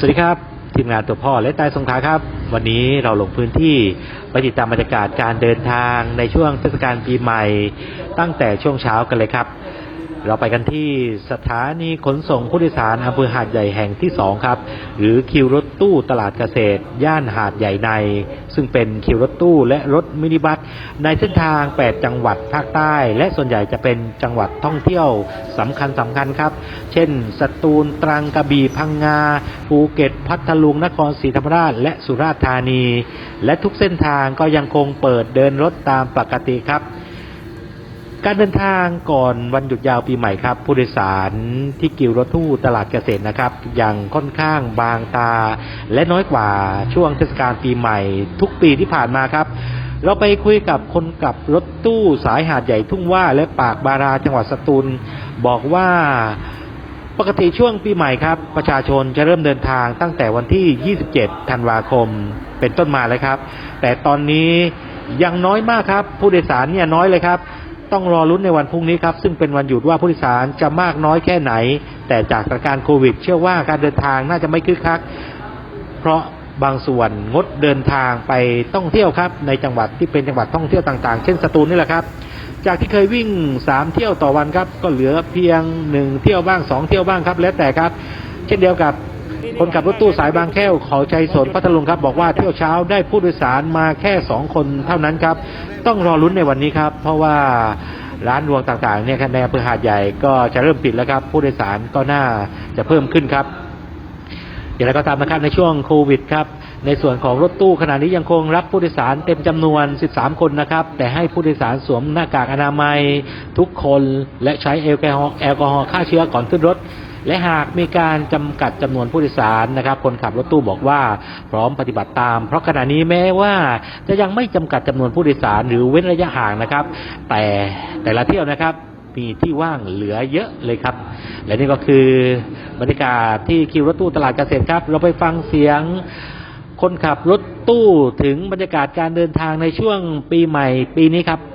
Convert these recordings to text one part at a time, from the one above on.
วัสดีครับทีมงานตัวพ่อและใต้สงขลาครับวันนี้เราลงพื้นที่ไปติดตามบรรยากาศการเดินทางในช่วงเทศกาลปีใหม่ตั้งแต่ช่วงเช้ากันเลยครับเราไปกันที่สถานีขนส่งผู้โดยสารอำเภอหาดใหญ่แห่งที่2ครับหรือคิวรถตู้ตลาดเกษตรย่านหาดใหญ่ในซึ่งเป็นคิวรถตู้และรถมินิบัสในเส้นทาง8จังหวัดภาคใต้และส่วนใหญ่จะเป็นจังหวัดท่องเที่ยวสำคัญครับเช่นสตูลตรังกระบี่พังงาภูเก็ตพัทลุงนครศรีธรรมราชและสุราษฎร์ธานีและทุกเส้นทางก็ยังคงเปิดเดินรถตามปกติครับการเดินทางก่อนวันหยุดยาวปีใหม่ครับผู้โดยสารที่กิวรถตู้ตลาดเกษตรนะครับยังค่อนข้างบางตาและน้อยกว่าช่วงเทศกาลปีใหม่ทุกปีที่ผ่านมาครับเราไปคุยกับคนขับรถตู้สายหาดใหญ่ทุ่งว่าและปากบาราจังหวัดสตูลบอกว่าปกติช่วงปีใหม่ครับประชาชนจะเริ่มเดินทางตั้งแต่วันที่27ธันวาคมเป็นต้นมาเลยครับแต่ตอนนี้ยังน้อยมากครับผู้โดยสารเนี่ยน้อยเลยครับต้องรอลุ้นในวันพรุ่งนี้ครับซึ่งเป็นวันหยุดว่าผู้โดยสารจะมากน้อยแค่ไหนแต่จากสถานการณ์โควิดเชื่อว่าการเดินทางน่าจะไม่คึกคักเพราะบางส่วนงดเดินทางไปท่องเที่ยวครับในจังหวัดที่เป็นจังหวัดท่องเที่ยวต่างๆเช่นสตูลนี่แหละครับจากที่เคยวิ่ง3เที่ยวต่อวันครับก็เหลือเพียง1เที่ยวบ้าง2เที่ยวบ้างครับแล้วแต่ครับเช่นเดียวกับคนขับรถตู้สายบางแก้วเขาชัยสนพัทลุงครับบอกว่าเที่ยวเช้าได้ผู้โดยสารมาแค่2คนเท่านั้นครับต้องรอลุ้นในวันนี้ครับเพราะว่าร้านรวงต่างๆเนี่ยในอำเภอหาดใหญ่ก็จะเริ่มปิดแล้วครับผู้โดยสารก็น่าจะเพิ่มขึ้นครับอย่างไรก็ตามนะครับในช่วงโควิดครับในส่วนของรถตู้ขณะนี้ยังคงรับผู้โดยสารเต็มจำนวน13คนนะครับแต่ให้ผู้โดยสารสวมหน้ากากอนามัยทุกคนและใช้แอลกอฮอล์ฆ่าเชื้อก่อนขึ้นรถและหากมีการจำกัดจำนวนผู้โดยสารนะครับคนขับรถตู้บอกว่าพร้อมปฏิบัติตามเพราะขณะนี้แม้ว่าจะยังไม่จำกัดจำนวนผู้โดยสารหรือเว้นระยะห่างนะครับแต่ละเที่ยวนะครับมีที่ว่างเหลือเยอะเลยครับและนี่ก็คือบรรยากาศที่คิวรถตู้ตลาดเกษตรครับเราไปฟังเสียงคนขับรถตู้ถึงบรรยากาศการเดินทางในช่วงปีใหม่ปีนี้ครับ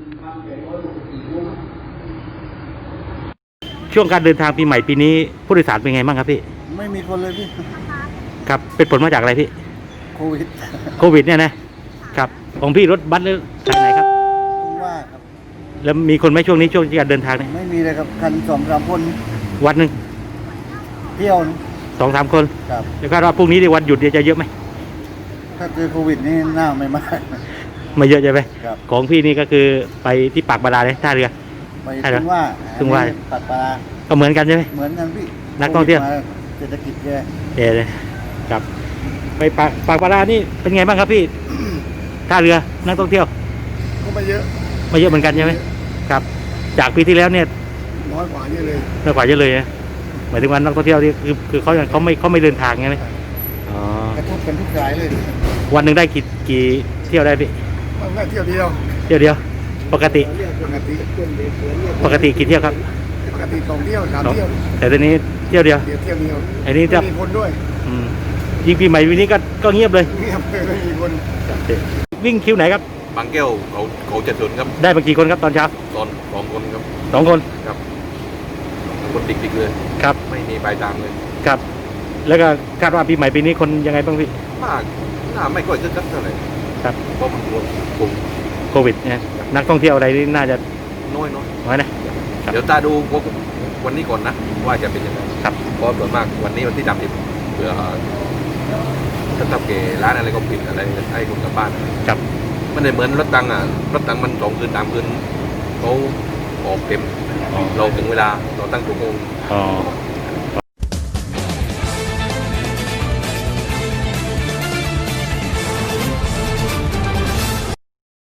ช่วงการเดินทางปีใหม่ปีนี้ผู้โดยสารเป็นไงบ้างครับพี่ไม่มีคนเลยพี่ครับเป็นผลมาจากอะไรพี่โควิดเนี่ยนะครับของพี่รถบัสหรือสายไหนครับว่าครับแล้วมีคนไหมช่วงนี้ช่วงการเดินทางเนี่ยไม่มีเลยครับคัน2-3คนวันหนึ่งเที่ยว 2-3คนครับแล้วคาดว่าพรุ่งนี้ในวันหยุดจะเยอะไหมถ้าเจอโควิดนี่น่าไม่มากไม่เยอะใช่ไหมครับของพี่นี่ก็คือไปที่ปากบาดาลเลยท่าเรือไปถึงว่าปัดปลาก็เหมือนกันใช่ไหมเหมือนกันพี่นักท่องเที่ยวเศรษฐกิจเลยครับไปปากบาดาลนี่เป็นไงบ้างครับพี่ท่าเรือนักท่องเที่ยวก็ไม่เยอะเหมือนกันใช่ไหมครับจากปีที่แล้วเนี่ยน้อยกว่าเยอะเลยนะหมายถึงว่านักท่องเที่ยวที่คือเขาไม่เดินทางไงไหมอ๋อกระทบกันทุกสายเลยวันหนึ่งได้กี่เที่ยวได้พี่วันละเที่ยวเดียวปกติกี่เที่ยวครับปกติ2เที่ยว3เที่ยวแต่ตอนนี้เที่ยวเดียวอันนี้จะมีคนด้วยยิงปีใหม่วันนี้ก็เงียบเลยไม่มีคนวิ่งคิวไหนครับบางแก้วเขาจะสนครับได้มากี่คนครับตอนเช้า 2 คนครับ 2 คนครับคนติดเลยครับไม่มีปลายทางเลยครับแล้วก็คาดว่าปีใหม่ปีนี้คนยังไงบ้างพี่มากน่าไม่ค่อยจะคักเท่าไหร่ครับเพราะมันโควิดเนี่ยนักท่องเที่ยวอะไรนี่น่าจะน้อยนะเดี๋ยวตาดูวันนี้ก่อนนะว่าจะเป็นยังไงครับเพราะส่วนมากวันนี้วันที่30เผื่อถ้าทำเกร้านอะไรก็ปิดอะไรให้คนกลับบ้านครับมันไม่เหมือนรถตังมัน2 คืน3 คืนเขาออกเต็มเราถึงเวลาเราตั้งชั่วโมง